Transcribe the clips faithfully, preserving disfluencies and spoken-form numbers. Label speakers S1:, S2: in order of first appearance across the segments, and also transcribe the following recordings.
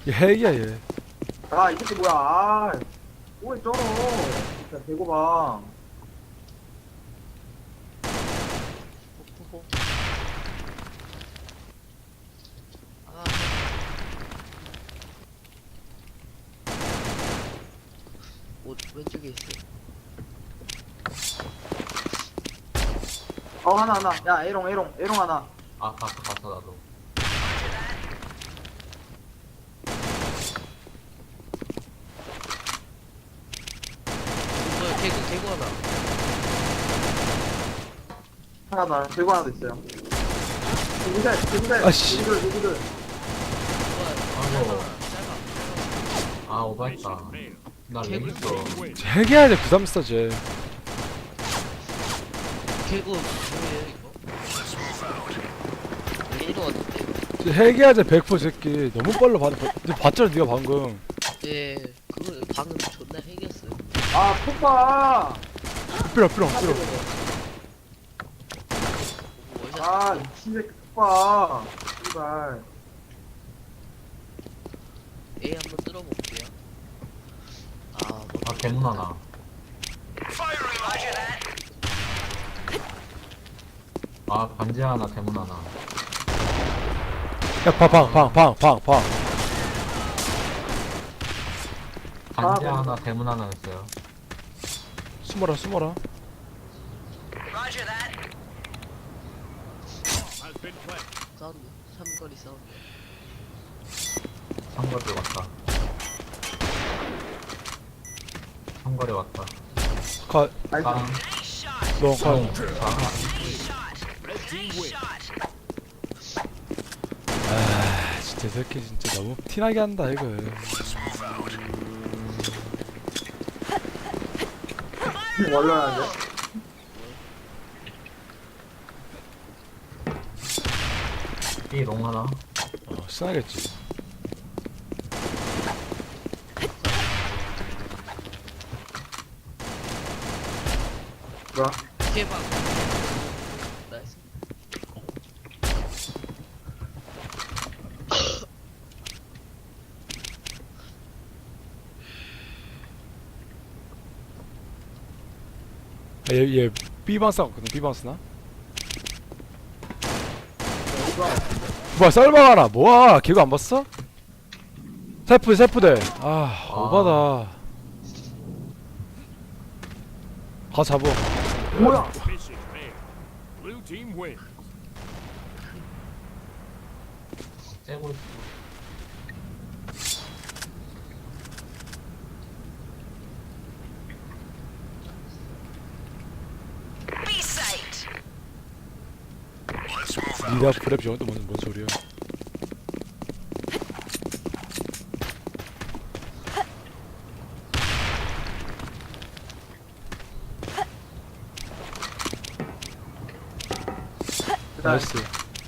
S1: 얘 핵이야 얘.
S2: 아, 이 새끼 뭐야. 아, 뭐해, 쩔어. 진짜, 대고봐.
S3: 호호호. 아. 옷 왼쪽에 있어.
S2: 어, 하나, 하나. 야, 에롱, 에롱, 에롱 하나.
S4: 아 갔어 갔어 나도.
S3: 뭐야, 개구, 개구 하나.
S2: 하나 더, 대고 하나도 있어요. 누구들, 누구들,
S1: 아씨.
S2: 누구들, 누구들.
S3: 뭐야,
S4: 아이고.
S3: 짧아, 짧아.
S4: 아 오버했다. 나 렉 있어.
S1: 쟤 핵이야 쟤 구삼사 쟤.
S3: 개구, 뭐예요, 이거? 왜 이러는데?
S1: 쟤 핵이야 쟤 백 퍼센트 새끼. 너무 빨라 봤, 너 봤잖아 니가 방금.
S3: 네, 그거 방금 존나 핵이었어요.
S2: 아, 폭파.
S1: 삐롱 삐롱 삐롱.
S3: 원샷.
S2: 아, 미친 새끼 폭파. 씨발.
S3: A 한번 뚫어볼게요. 아, 뭐.
S4: 아 대문 하나. 아 반지 하나 대문 하나.
S1: 야방방방방방 방.
S4: 반지
S2: 아,
S4: 하나 대문 하나였어요.
S1: 숨어라 숨어라.
S3: 사운드. 삼거리 사운드.
S4: 삼거리 왔다. 삼거리 왔다.
S1: 가.
S2: 아이,
S4: 깡.
S1: 너 가. 아 진짜 이 새끼 진짜 너무 티나게 한다 이거.
S2: 원래하는데.
S4: B롱 하나.
S1: 어 신나겠지.
S2: 뭐야?
S3: 개방. 나이스.
S1: 아, 얘, 얘 B방스 같거든. B방스나? 뭐야 썰방 하나 뭐야 걔가 안 봤어? 세프 세프대. 아 오바다. 가 잡어.
S2: 뭐야?
S5: Mission failed. Blue team wins.
S4: 째고 있어.
S1: 니가 브랩 저건 또 뭔, 뭔 소리야? 나이스.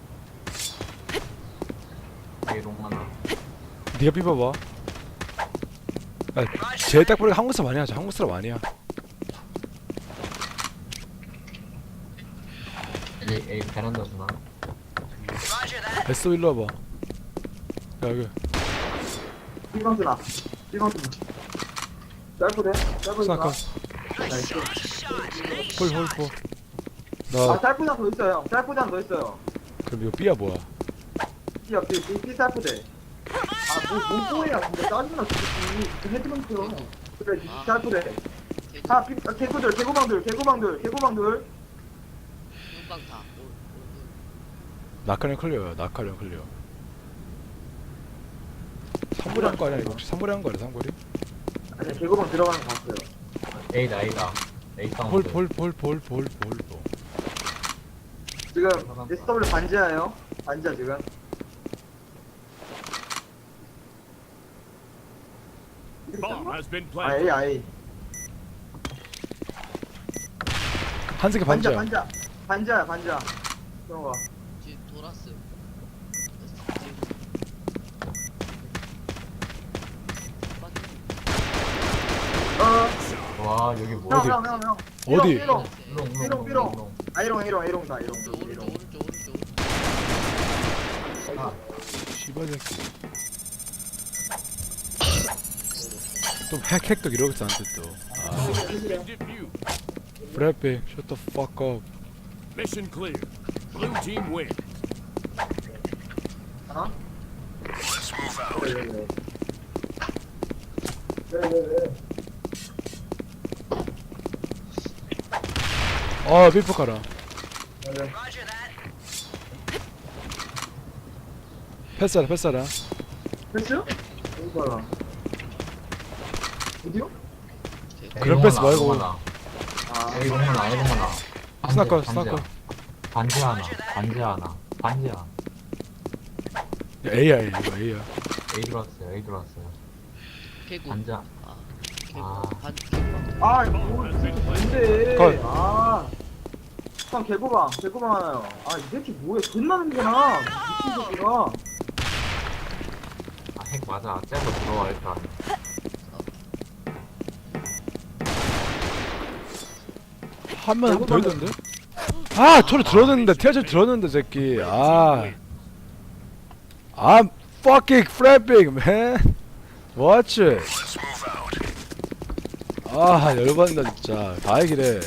S4: B롱 하나.
S1: 니가 삐봐봐. 아, 쟤딱 보니까 한국 사람 아니야. 저 한국 사람 아니야.
S4: A A 베란다 주나.
S1: 에스 일로 와봐. 야 여기.
S2: 삐방준아. 삐방준아. 짧으래? 짧으니까.
S1: 스나카.
S2: 나이스.
S1: 홀홀홀.
S2: 아,
S1: 나
S2: 짧구장 더 있어요. 짧구장 더 있어요.
S1: 그럼 이거 B야 뭐야?
S2: 삐야, 삐, 삐, 삐 짧구대. 아, 뭐, 뭔 꼬야. 근데 짜증나, 진짜. 헤드먼트요. 그래,
S3: 아.
S2: 짧구대.
S3: 개구.
S2: 아, 삐, 아, 개구들, 개구방들, 개구방들, 개구방들.
S3: 눈방 다. 올, 올,
S1: 낙하령 클리어야. 낙하령 클리어. 삼거리 한 거 아니야 이거 혹시 삼거리 한 거 아니야 삼거리?
S2: 아니, 개구방 들어가는 거 봤어요.
S4: A다 A다. A 사운드.
S1: 홀홀홀홀홀홀.
S2: 지금 에스 더블유 반지하예요. 반지하 지금.
S5: Bomb has been
S2: 아,
S5: planted.
S2: A, 아이.
S1: 한색이
S2: 반지하,
S1: 반지야.
S2: 반지하. 반지하야, 반지하. 들어가.
S3: 지금 돌았어요.
S2: 어,
S4: 와 여기 뭐?
S2: 형,
S1: 어디?
S2: 형, 형, 형.
S1: 어디?
S2: 삐롱,
S4: 삐롱
S2: 삐롱,
S4: 삐롱
S2: 삐롱.
S4: 삐롱.
S2: 아, 이롱, 이롱, 이롱다, 이롱.
S3: 오른쪽, 오른쪽,
S2: 이롱.
S3: 오른쪽, 오른쪽.
S4: 아
S1: 씨발 새끼. 또 핵, 핵도 이러겠어 안돼 또. 아,
S5: Has been defused.
S1: 브래핑, shut the fuck up.
S5: Mission clear. Blue team wins.
S2: 하나? 왜, 왜, 왜. 왜, 왜, 왜.
S1: 아, 삐프 가라.
S2: 왜, 왜.
S1: 패스하라, 패스하라.
S2: 됐어요? 어디 봐라. 어디요?
S1: 그런 패스 말고.
S2: 아,
S4: 에이 롱만아 에이 롱만아.
S1: 스나커, 스나커.
S4: 반지 하나 반지 하나 반지 하나.
S1: 야, A야, A, 이거 A야.
S4: A 들어왔어요 A 들어왔어요.
S3: 개구.
S4: 반지 하-
S3: 아,
S4: 아.
S3: 개구. 반 개구.
S2: 아, 이거 이 새끼 뭔데?
S1: 컷.
S2: 아. 형, 개구방, 개구방 하나요. 아, 이 새끼 뭐야? 존나 는구나. 미친 새끼가.
S4: 아, 핵 맞아. 째고 들어와 일단.
S1: 한 명 더 있던데? 아, 저를 들었는데, 티아저 들었는데, 새끼. 아. I'm fucking flapping, man. Watch it. 아, 열받는다, 진짜. 다 얘기래.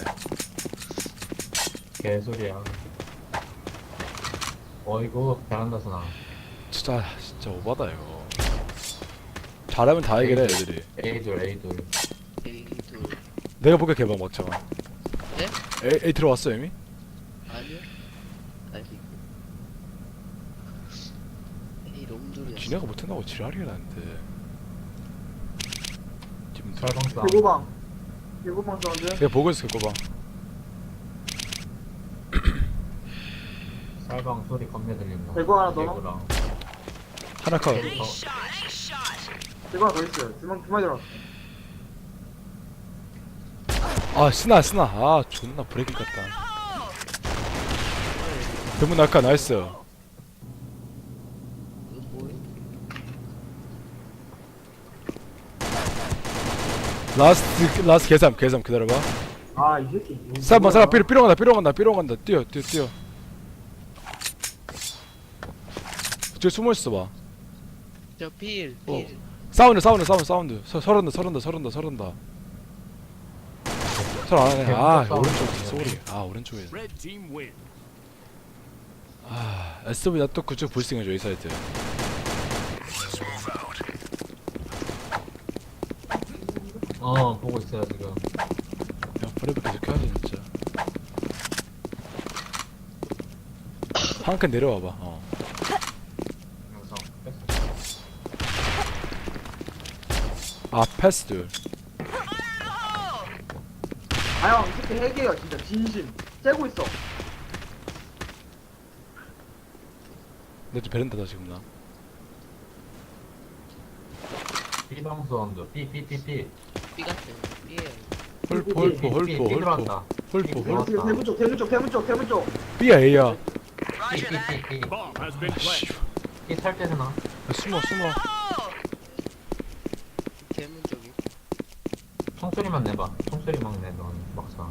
S4: 개소리야. 어이구 베란다서 나.
S1: 진짜, 진짜 오바다, 이거. 잘하면 다 얘기래, 애들이.
S4: A 둘 A 둘.
S3: A 둘.
S1: 내가 볼게, 개방 막차가.
S3: 네?
S1: A, A 들어왔어, 이미?
S3: 아니요. 아직. A 롱둘이었어.
S1: 지네가 못한다고 지랄이라 나한테. 지금 들-
S4: 설방사.
S2: 개구방. 개구방 사운드.
S1: 내가 보고 있어, 그거 봐.
S4: 설방 소리 겁내 들린다.
S2: 대구 하나 더?
S4: 개구랑.
S1: 하나 컷.
S4: 개구 더.
S2: 개구 하나 더 있어요. 두 명, 두 마리 들어왔어.
S1: 아, 스나, 스나. 아, 존나 브레이킹 같다. 대문 낙하, 나이스.
S3: 이거 뭐해?
S1: 라스트, 라스트 계산, 계산 기다려봐.
S2: 아, 이 새끼. 뭐-
S1: 사람,
S2: 뭐야.
S1: 사람, 삐로, 삐로 간다, 삐로 간다, 삐로 간다. 뛰어, 뛰어, 뛰어. 저기 숨어있어 봐.
S3: 저 필,
S1: 어.
S3: 필.
S1: 사운드, 사운드, 사운드, 사운드. 서, 서른다, 서른다, 서른다, 서른다. 설안 하네. 아, 오른쪽, 소리. 아, 오른쪽에.
S5: Red team wins.
S1: 아, 에스브이 나또 그쪽 불싱해줘, 이 사이트.
S4: 어 보고 있어요 지금.
S1: 야, 브레이크 계속 켜야 돼, 진짜. 한 칸 내려와봐, 어.
S4: 영상
S1: 아, 패스 둘.
S2: 아, 형, 이 새끼 핵이에요, 진짜. 진심. 째고 있어.
S1: 내좀 베란다다, 지금 나.
S4: B방 사운드. B B B B.
S3: B 같아. B에요.
S1: 홀포, 홀포,
S4: B,
S1: 홀포,
S4: B
S1: 홀포.
S4: 들어왔다.
S1: 홀포,
S4: B
S1: 홀포.
S2: 대문 쪽, 대문 쪽, 대문 쪽, 대문 쪽.
S1: B야, A야.
S4: B B B B.
S5: Bomb has been
S1: 아, 씨.
S5: planted.
S4: B 살 때는 나.
S1: 야, 숨어, 숨어.
S3: 대문 쪽이.
S4: 총소리만 내봐. 총소리만 내. 넌 막상.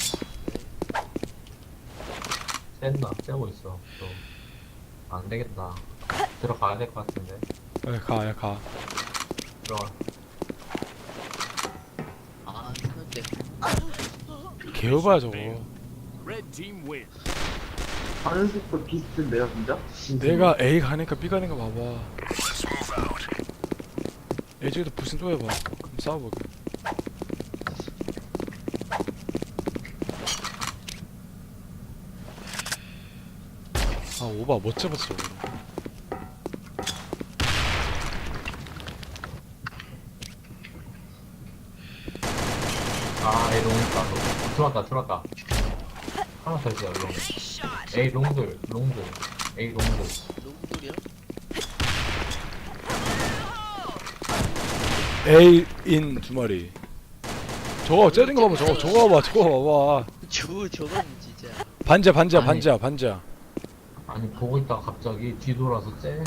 S4: 센다. 째고 있어. 또. 안 되겠다. 들어가야 될 것 같은데.
S1: 야, 가, 야, 가.
S4: 들어가.
S3: 아, 근데.
S1: 개오바야, 저거.
S5: Red team wins.
S2: 가는 속도 비슷한데요, 진짜?
S1: 내가 A 가니까 B 가는 거 봐봐. A 쪽에도 불신 또 해봐. 그럼 싸워보게. 아, 오바 못 잡았어.
S4: 아, A 롱이다. 롱. 들어왔다, 들어왔다. 하나 더 있어요, 롱. A 롱들, 롱들. A 롱들.
S3: 롱둘이야?
S1: A 인 두 마리. 저거 째는 거 봐봐. 저거 저거 봐봐. 저거 봐봐.
S3: 저, 저건 진짜.
S1: 반지야, 반지야,
S4: 아니.
S1: 반지야, 반지야.
S4: 아니, 보고 있다가 갑자기 뒤돌아서 째.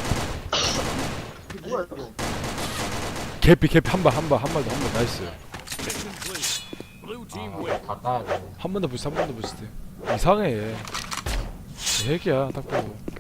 S2: 이게 뭐야, 이거?
S1: 개피, 개피 한 발, 한 발, 한 발도 한 발. 나이스.
S5: Mission clear. Blue team
S4: 아,
S5: wins.
S4: 다 따야 돼.
S1: 한 번 더 부스, 한 번 더 부스. 이상해 얘. 얘 핵이야, 딱 보고.